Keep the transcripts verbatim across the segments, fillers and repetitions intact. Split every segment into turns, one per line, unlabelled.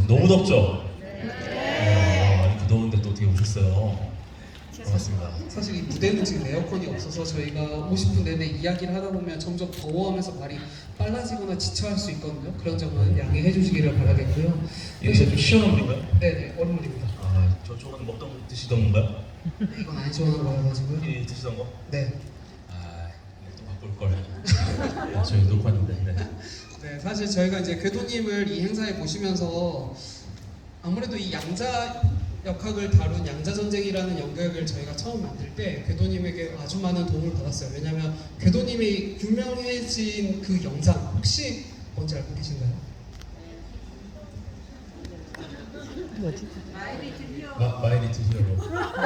너무 덥죠? 네. 어, 이렇게 더운데 또 어떻게 오셨어요? 반갑습니다.
사실 이 무대는 지금 에어컨이 없어서 저희가 오십 분 내내 이야기를 하다 보면 점점 더워하면서 말이 빨라지거나 지쳐할 수 있거든요. 그런 점은 양해해 주시기를 바라겠고요.
이게 좀 시원한 물인가요?
네네, 얼음물입니다.
아, 저쪽은 먹던 드시던 건가요?
이건 안 시원한 거여가지고요.
이 드시던 거?
네.
아, 이거 또 바꿀 걸. 저희 녹화인데. 네.
네, 사실 저희가 이제 궤도님을 이 행사에 모시면서 아무래도 이 양자 역학을 다룬 양자전쟁이라는 연극을 저희가 처음 만들 때 궤도님에게 아주 많은 도움을 받았어요. 왜냐하면 궤도님이 유명해진 그 영상 혹시 뭔지 알고 계신가요?
마, 마이 리틀 히어로.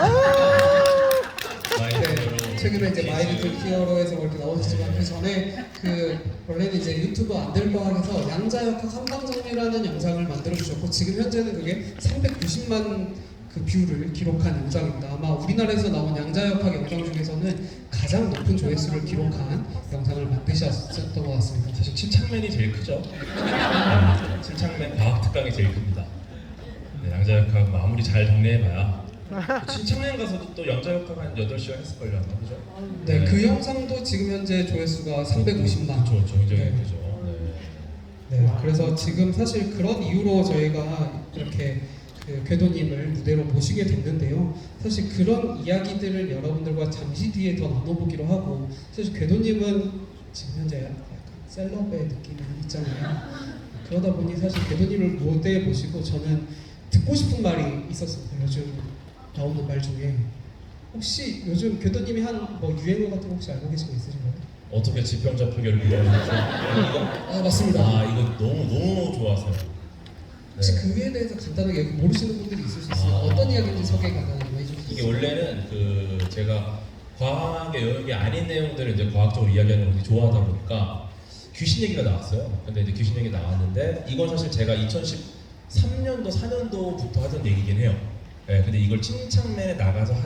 마이 리틀
네,
히어로.
최근에 이제 마이 리틀 히어로에서 이렇게 나오셨지만 그 전에 그 원래는 이제 유튜브 안될과학에서 양자역학 한방정리라는 영상을 만들어 주셨고 지금 현재는 그게 삼백구십만 그 뷰를 기록한 영상입니다. 아마 우리나라에서 나온 양자역학 영상 중에서는 가장 높은 조회수를 기록한 영상을 만드셨던 것 같습니다.
사실 침착맨이 제일 크죠? 네, 침착맨 과학특강이 제일 큽니다. 네, 양자역학 아무리 잘 정리해봐야 침착맨 가서도 또 양자역학 한 여덟 시간 했을걸요 아마 그죠?
네, 그 영상도 지금 현재 조회수가 삼백오십만.
그렇죠, 굉장히
네.
크죠. 네.
네, 그래서 지금 사실 그런 이유로 저희가 이렇게 그 궤도님을 무대로 모시게 됐는데요. 사실 그런 이야기들을 여러분들과 잠시 뒤에 더 나눠보기로 하고 사실 궤도님은 지금 현재 약간 셀럽의 느낌이 있잖아요. 그러다 보니 사실 궤도님을 무대에 모시고 저는 듣고 싶은 말이 있었습니다. 요즘 나오는 말 중에 혹시 요즘 궤도님이 한 뭐 유행어 같은 거 혹시 알고 계신 거 있으신가요?
어떻게 지평자 표결을 이루어내죠? 이거?
아 맞습니다.
아 이거 너무 너무 좋아서요.
혹시
네.
그에 대해서 간단하게 여기 모르시는 분들이 있을 수 있어요.
아.
어떤 이야기인지 소개 간단하게 해주실 수
이게
있어요?
원래는 그 제가 과학의 영역이 아닌 내용들을 이제 과학적으로 이야기하는 걸 되게 좋아하다 보니까 귀신 얘기가 나왔어요. 근데 이제 귀신 얘기 나왔는데 이건 사실 제가 이천십삼 년도 사 년도부터 하던 얘기긴 해요. 네, 근데 이걸 침착맨에 나가서